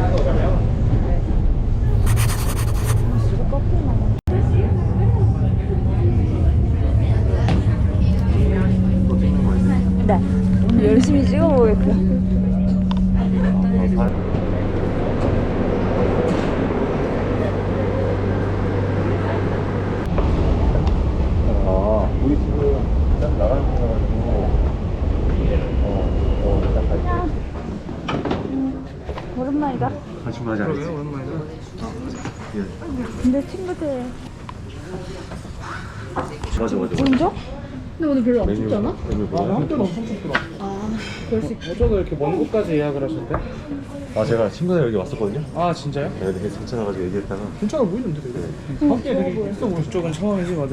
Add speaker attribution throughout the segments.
Speaker 1: 네. 오늘 열심히 찍어보겠습니다.
Speaker 2: 우리 지금 딱 나가는 거가지고
Speaker 1: 오랜만이다.
Speaker 2: 같이 하지 않았지?
Speaker 3: 오랜만이다.
Speaker 1: 근데 친구들
Speaker 2: 맞아.
Speaker 1: 오른쪽? 근데 오늘 별로 안
Speaker 2: 메뉴,
Speaker 1: 춥잖아?
Speaker 2: 메뉴 뭐야?
Speaker 3: 한때는 엄청 춥더라.
Speaker 1: 그럴 수 있
Speaker 3: 어쩌다 이렇게 먼 곳까지 예약을 하셨대?
Speaker 2: 아 제가 친구들 여기 왔었거든요?
Speaker 3: 아 진짜요?
Speaker 2: 내가 되게 괜찮아가지고 얘기했다가
Speaker 3: 괜찮아 보이는데 되게. 함께 되게 있어 보여. 이쪽은 처음이지 맞아.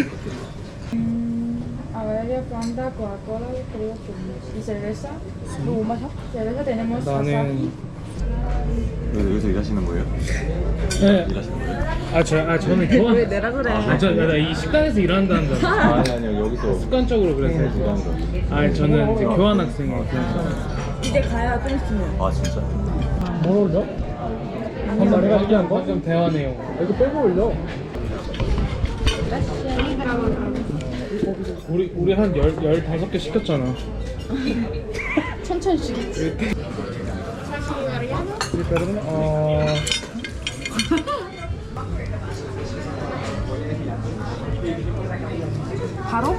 Speaker 4: A ver, yo Fanta, Coca-Cola, creo que y cerveza. ¿Tú macho? Cerveza tenemos
Speaker 3: 나는
Speaker 2: 여기서 일하시는 거예요?
Speaker 3: 네.
Speaker 2: 일하시는 거예요?
Speaker 3: 저는 교환.
Speaker 1: 왜 내라 그래?
Speaker 3: 나이 식당에서 일한다는 줄 알았어.
Speaker 2: 아니요 여기서
Speaker 3: 습관적으로 그랬어요.
Speaker 2: 일하는 거.
Speaker 3: 저는 이제 교환 학생이에요.
Speaker 1: 이제 가야 좀 있으면.
Speaker 2: 아 진짜?
Speaker 3: 뭘 올려? 방금 내가 얘기한 거? 방금 대화 내용. 이거 빼고 올려. 우리 한 15개 시켰잖아.
Speaker 4: 천천히 시겠지.
Speaker 1: 바로?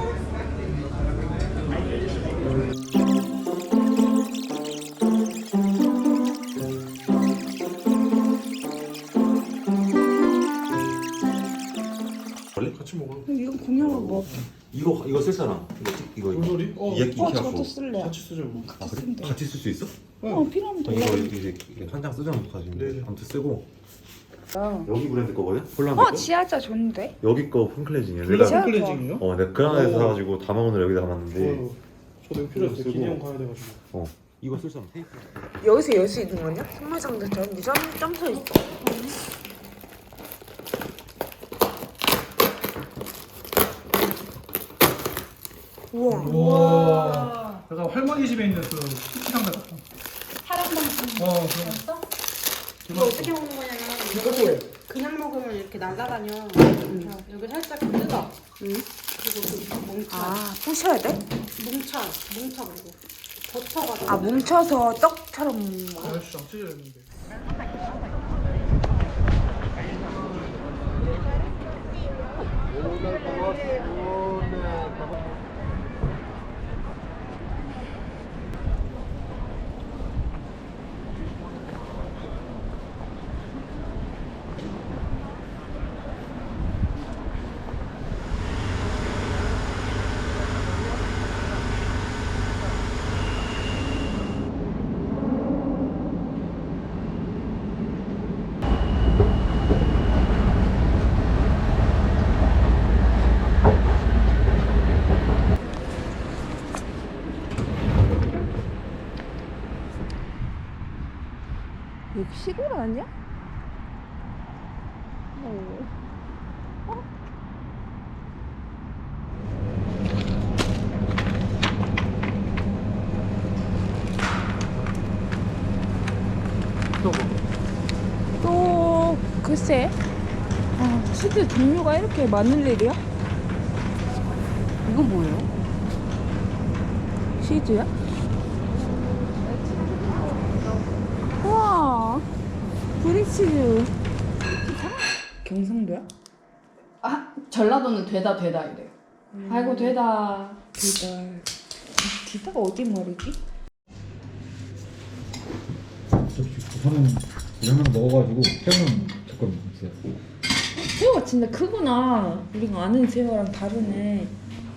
Speaker 2: 원래?
Speaker 3: 같이 먹어.
Speaker 1: 이건 공연을 뭐
Speaker 2: 이거 쓸 사람 이거
Speaker 3: 뭔 소리?
Speaker 2: 이야기
Speaker 1: 저것도
Speaker 2: 갖고
Speaker 1: 쓸래요.
Speaker 3: 같이 쓰자고.
Speaker 2: 아 그래? 같이 쓸 수 있어?
Speaker 1: 필요하면
Speaker 2: 이거
Speaker 1: 달라고.
Speaker 2: 이제 한 장 쓰자면 가지고
Speaker 3: 네네.
Speaker 2: 아무튼 쓰고
Speaker 1: 아.
Speaker 2: 여기 브랜드 거거든? 폴란드 거?
Speaker 1: 지하자 좋은데?
Speaker 2: 여기 거 폼클렌징이야
Speaker 3: 둘 다
Speaker 1: 진짜?
Speaker 3: 폼클렌징이요?
Speaker 2: 내가 그 안에서 사가지고 담아오늘 여기다 담았는데
Speaker 3: 저도 이거 필요했어요.
Speaker 2: 쓰고.
Speaker 3: 기념 가야 돼가지고.
Speaker 2: 이거 쓸 사람 테이프
Speaker 1: 여기서 열 수 있는 거냐? 선물 상자처럼 점서 있어. 우와.
Speaker 3: 우와. 내가 할머니 집에 있는 그 쿠키랑 같은.
Speaker 4: 파란방
Speaker 3: 그럼.
Speaker 5: 이거 어떻게 먹는 거냐면
Speaker 3: 이거 뭐예요?
Speaker 5: 그냥 먹으면 이렇게 날아다녀. 여기 살짝 뜯어. 그리고 그 뭉쳐.
Speaker 1: 부셔야 돼?
Speaker 5: 뭉쳐 그리고 버터가.
Speaker 1: 뭉쳐서 떡처럼 먹어.
Speaker 3: 아저씨 안 찢어졌는데.
Speaker 1: 여기 시골 아니야? 또 글쎄 치즈 종류가 이렇게 많은 일이야? 이건 뭐예요? 치즈야? 우와 브릭치즈 경상도야?
Speaker 4: 전라도는 되다 이래요. 아이고 되다.
Speaker 1: 기타가 어디 말이지?
Speaker 6: 저는 이런 거 먹어가지고 새우는 조금 있어요.
Speaker 1: 새우가 진짜 크구나. 우리가 아는 새우랑 다르네.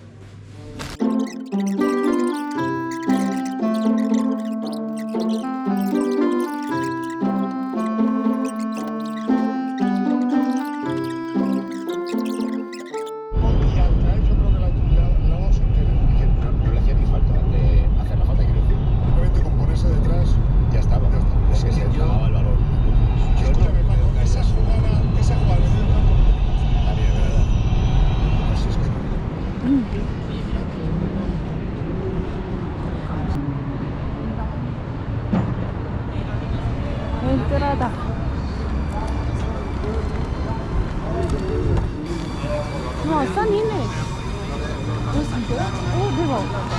Speaker 7: Simplemente con ponerse detrás ya estaba. Es que se acababa el balón. Escúchame, Paco, esa jugada en el campo. También, ¿verdad? Así es que
Speaker 5: 끈끈하다. 와, 싼 있네. 오, 진짜요? 오, 대박.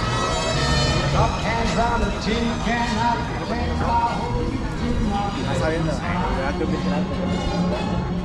Speaker 7: Está viendo.